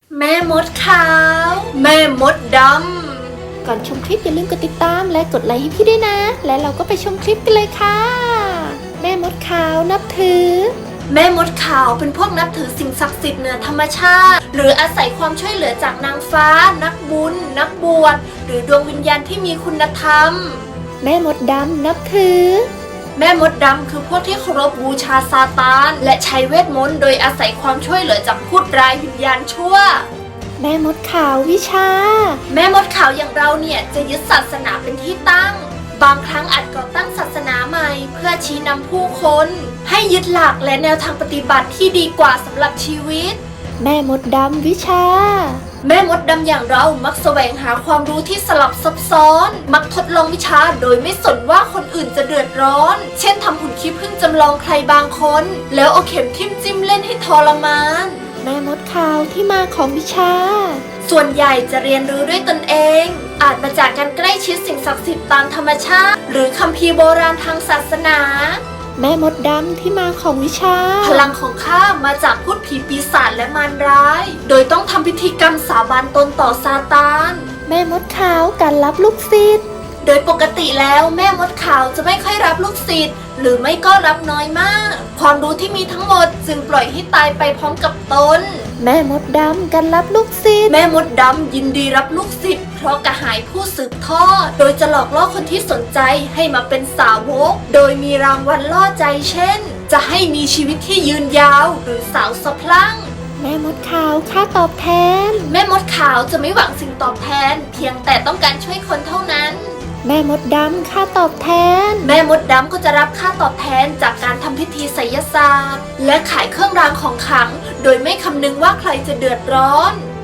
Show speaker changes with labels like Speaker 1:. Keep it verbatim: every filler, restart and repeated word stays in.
Speaker 1: แม่มดขาวแม่มดดำ
Speaker 2: ก่อนชมคลิปอย่าลืมกดติดตามและกดไลค์ให้พี่ด้วยนะและเราก็ไปชมคลิปกันเลยค่ะแม่มดขาวนับถือ
Speaker 1: แม่มดขาวเป็นพวกนับถือสิ่งศักดิ์สิทธิ์เหนือธรรมชาติหรืออาศัยความช่วยเหลือจากนางฟ้านักบุญนักบวชหรือดวงวิญญาณที่มีคุณธรรม
Speaker 2: แม่มดดำนับถือ
Speaker 1: แม่มดดำคือพวกที่เคารพบูชาซาตานและใช้เวทมนต์โดยอาศัยความช่วยเหลือจากพูดร้ายวิญญาณชั่ว
Speaker 2: แม่มดขาววิชา
Speaker 1: แม่มดขาวอย่างเราเนี่ยจะยึดศาสนาเป็นที่ตั้งบางครั้งอาจก่อตั้งศาสนาใหม่เพื่อชี้นำผู้คนให้ยึดหลักและแนวทางปฏิบัติที่ดีกว่าสำหรับชีวิต
Speaker 2: แม่มดดำวิชา
Speaker 1: แม่มดดำอย่างเรามักแสวงหาความรู้ที่สลับซับซ้อนมักทดลองวิชาโดยไม่สนว่าคนอื่นจะเดือดร้อนเช่นทำหุ่นขี้ผึ้งจำลองใครบางคนแล้วเอาเข็มทิ่มจิ้มเล่นให้ทรมาน
Speaker 2: แม่มดขาวที่มาของวิชา
Speaker 1: ส่วนใหญ่จะเรียนรู้ด้วยตนเองอาจมาจากการใกล้ชิดสิ่งศักดิ์สิทธิ์ตามธรรมชาติหรือคัมภีร์โบราณทางศาสนา
Speaker 2: แม่มดดำที่มาของวิชา
Speaker 1: พลังของข้ามาจากพูดผีปีศาจและมารร้ายโดยต้องทำพิธีกรรมสาบานตนต่อซาตาน
Speaker 2: แม่มดขาวการรับลูกศิษย์
Speaker 1: โดยปกติแล้วแม่มดขาวจะไม่ค่อยรับลูกศิษย์หรือไม่ก็รับน้อยมากความรู้ที่มีทั้งหมดจึงปล่อยให้ตายไปพร้อมกับตน
Speaker 2: แม่มดดำการรับลูกศิษย์
Speaker 1: แม่มดดำยินดีรับลูกศิษย์เพราะกระหายผู้สืบทอดโดยจะหลอกล่อคนที่สนใจให้มาเป็นสาวกโดยมีรางวัลล่อใจเช่นจะให้มีชีวิตที่ยืนยาวหรือสาวสะพรั่ง
Speaker 2: แม่มดขาวค่าตอบแทน
Speaker 1: แม่มดขาวจะไม่หวังสิ่งตอบแทนเพียงแต่ต้องการช่วยคนเท่านั้น
Speaker 2: แม่มดดำค่าตอบแทน
Speaker 1: แม่มดดำก็จะรับค่าตอบแทนจากการทำพิธีไสยศาสตร์และขายเครื่องรางของขลังโดยไม่คำนึงว่าใครจะเดือดร้อน